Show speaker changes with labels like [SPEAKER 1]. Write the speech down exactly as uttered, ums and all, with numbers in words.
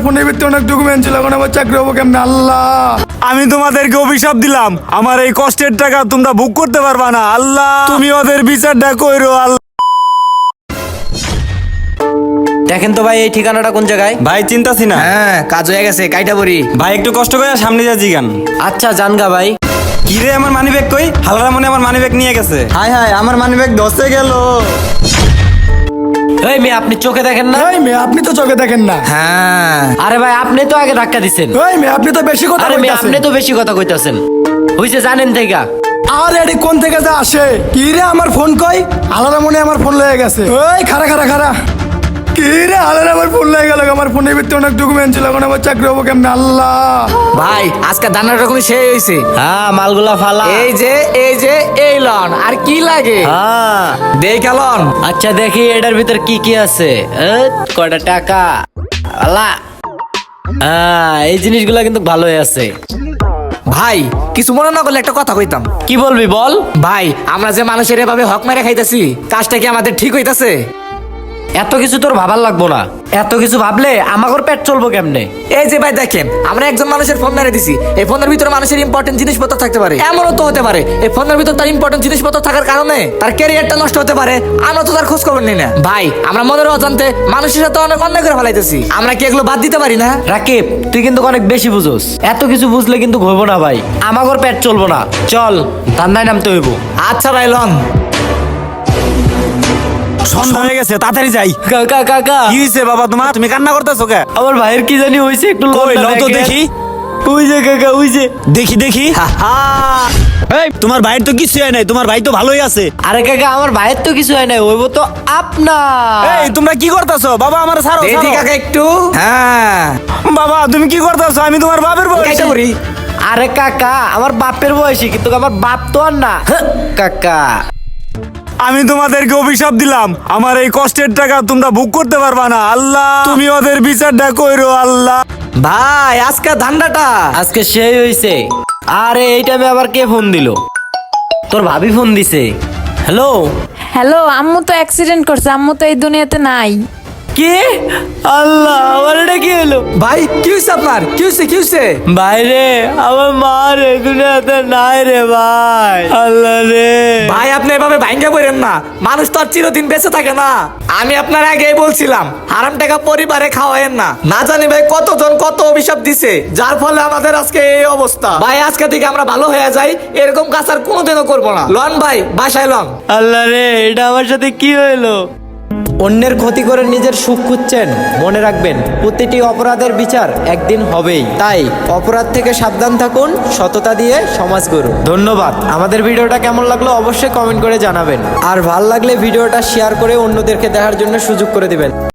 [SPEAKER 1] ফোনের ভিতরে অনেক ডকুমেন্ট ছিল, এখন আমার চাকরি হবো কেমন আল্লাহ।
[SPEAKER 2] আমি তোমাদেরকে অভিশাপ দিলাম, আমার এই কষ্টের টাকা তোমরা ভোগ করতে পারবা না আল্লাহ, তুমি ওদের বিচারটা কইরো আল্লাহ।
[SPEAKER 3] দেখেন তো ভাই এই ঠিকানাটা কোন জায়গায়?
[SPEAKER 2] ভাই চিন্তাছি না।
[SPEAKER 3] হ্যাঁ কাজ হয়ে গেছে, কাইটা বড়ি।
[SPEAKER 2] ভাই একটু কষ্ট করে সামনে যা জিগান।
[SPEAKER 3] আচ্ছা জানগা ভাই।
[SPEAKER 2] কি রে আমার মানি ব্যাগ কই? হালকা মনে আমার মানি ব্যাগ নিয়ে গেছে। হাই হাই আমার মানি ব্যাগ ধসে গেল।
[SPEAKER 3] এই মেয়ে আপনি চোখে দেখেন না?
[SPEAKER 1] এই মেয়ে আপনি তো চোখে দেখেন না।
[SPEAKER 3] হ্যাঁ আরে ভাই আপনি তো আগে ধাক্কা দিছেন।
[SPEAKER 1] এই মেয়ে আপনি তো বেশি কথা
[SPEAKER 3] আরে মেয়ে
[SPEAKER 1] বলতেছেন।
[SPEAKER 3] আপনি তো বেশি কথা কইতাছেন। হইছে জানেন থেকে।
[SPEAKER 1] আর এডি কোন থেকে যা আসে? কি রে আমার ফোন কই? আলাদা মনে আমার ফোন লয়ে গেছে। ওই খারা খারা খারা। কি রে আলাদা আমার ফোন লয়ে গেল, আমার ফোনের ভিতরে অনেক ডকুমেন্ট ছিল, এখন আমার চাকরি হবো কেমন আল্লাহ।
[SPEAKER 4] ভাই আজকে দানার রকম শেষ হয়েছে।
[SPEAKER 3] হ্যাঁ মালগুলা ফালা।
[SPEAKER 4] এই যে এই যে এই লন আর কি লাগে
[SPEAKER 3] হ্যাঁ
[SPEAKER 4] দেখ লন।
[SPEAKER 3] আচ্ছা দেখি এটার ভিতর কি কি আছে। এ, কয়টা টাকা আলা। হ্যাঁ এই জিনিসগুলা কিন্তু ভালোই আছে।
[SPEAKER 4] ভাই কিছু মনে না করলে একটা কথা কইতাম।
[SPEAKER 3] কি বলবি বল।
[SPEAKER 4] ভাই আমরা যে মানুষের এভাবে হক মেরে খাইতেছি, কাজটা কি আমাদের ঠিক হইতাছে?
[SPEAKER 3] এত কিছু তোর ভাবার লাগবো না, এত কিছু ভাবলে আমাগর পেট চলবো কেমনে।
[SPEAKER 4] এই যে ভাই দেখেন, আমরা একজন মানুষের ফোন মেরে দিছি, এই ফোনের ভিতরে মানুষের ইম্পর্টেন্ট জিনিসপত্র থাকতে পারে। এমনও তো হতে পারে এই ফোনের ভিতর তার ইম্পর্টেন্ট জিনিসপত্র থাকার কারণে তার ক্যারিয়ারটা নষ্ট হতে পারে, আমরা তো তার খোঁজ খবর নিই না। ভাই আমরা মনের অজান্তে মানুষের সাথে অনেক অন্যায় করে ফেলাইতেছি, আমরা কি এগুলো বাদ দিতে পারি না?
[SPEAKER 3] রাকিব তুই কিন্তু অনেক বেশি বুঝোস, এত কিছু বুঝলে কিন্তু হইব না ভাই, আমাগর পেট চলবো না। চল ধান্দায় নামতে হইব।
[SPEAKER 4] আচ্ছা ভাই লন।
[SPEAKER 2] সন্ধ্যা হয়ে গেছে, তাড়াতাড়ি যাই।
[SPEAKER 3] কাকা কাকা
[SPEAKER 2] কি হইছে বাবা তোমার? তুমি কান্না করতেছো কে?
[SPEAKER 3] আমার ভাইয়ের কি জানি হইছে, একটু
[SPEAKER 2] কই
[SPEAKER 3] লজ্জা
[SPEAKER 2] লও তো
[SPEAKER 3] দেখেন।
[SPEAKER 2] দেখি।
[SPEAKER 3] ওই যে কাকা ওই যে।
[SPEAKER 2] দেখি দেখি। এই তোমার ভাইয়ের তো কিছু হয় নাই, তোমার ভাই তো ভালোই আছে।
[SPEAKER 3] আরে কাকা আমার ভাইয়ের তো কিছু হয় নাই, হইব তো আপনার।
[SPEAKER 2] এই তোমরা কি করতেছো? বাবা আমার ছাড়ো
[SPEAKER 4] দেখি
[SPEAKER 2] ছাড়ো।
[SPEAKER 4] কাকা একটু। হ্যাঁ
[SPEAKER 2] বাবা তুমি কি করতেছো? আমি তোমার বাপের বয়সী।
[SPEAKER 4] কাইটা করি।
[SPEAKER 3] আরে কাকা আমার বাপের বয়সী, কিন্তু আমার বাপ তো আর না। কাকা
[SPEAKER 2] আমি তোমাদেরকে অভিশাপ দিলাম, আমার এই কষ্টের টাকা তোমরা ভোগ করতে পারবা না আল্লাহ, তুমি ওদের বিচারটা কইরো আল্লাহ।
[SPEAKER 4] ভাই আজকে ধান্দাটা
[SPEAKER 3] আজকে সেই হইছে। আরে এই টাইমে আবার কে ফোন দিল? তোর ভাবি ফোন দিছে। হ্যালো
[SPEAKER 5] হ্যালো, আম্মু তো অ্যাক্সিডেন্ট করছে, আম্মু তো এই দুনিয়াতে নাই।
[SPEAKER 3] কি? আল্লাহ আমার এটা কি হলো?
[SPEAKER 4] ভাই কি হয়েছে আপনার? কি হয়েছে কি হয়েছে?
[SPEAKER 3] বাইরে আমার মা রে দুনিয়াতে নাই রে ভাই। আল্লাহ রে
[SPEAKER 4] ভাই আপনি এভাবে ভাঙ্গা পড়েন না, মানুষ তো আর চিরদিন বেঁচে থাকে না। আমি আপনার আগেই বলছিলাম হারাম টাকা পরিবারে খাওয়ায়েন না, না জানি ভাই কতজন কত অভিশাপ দিছে, যার ফলে আমাদের আজকে এই অবস্থা। ভাই আজকে থেকে আমরা ভালো হয়ে যাই, এরকম কাজ আর কোনোদিনও করবো না। লন ভাই বাসায় লন।
[SPEAKER 3] আল্লাহ রে এটা আমার সাথে কি হইলো? অন্যের ক্ষতি করে নিজের সুখ খুঁজছেন, মনে রাখবেন প্রতিটি অপরাধের বিচার একদিন হবেই। তাই অপরাধ থেকে সাবধান থাকুন, সততা দিয়ে সমাজ গড়ুন। ধন্যবাদ। আমাদের ভিডিওটা কেমন লাগলো অবশ্যই কমেন্ট করে জানাবেন, আর ভাল লাগলে ভিডিওটা শেয়ার করে অন্যদেরকে দেখার জন্য সুযোগ করে দিবেন।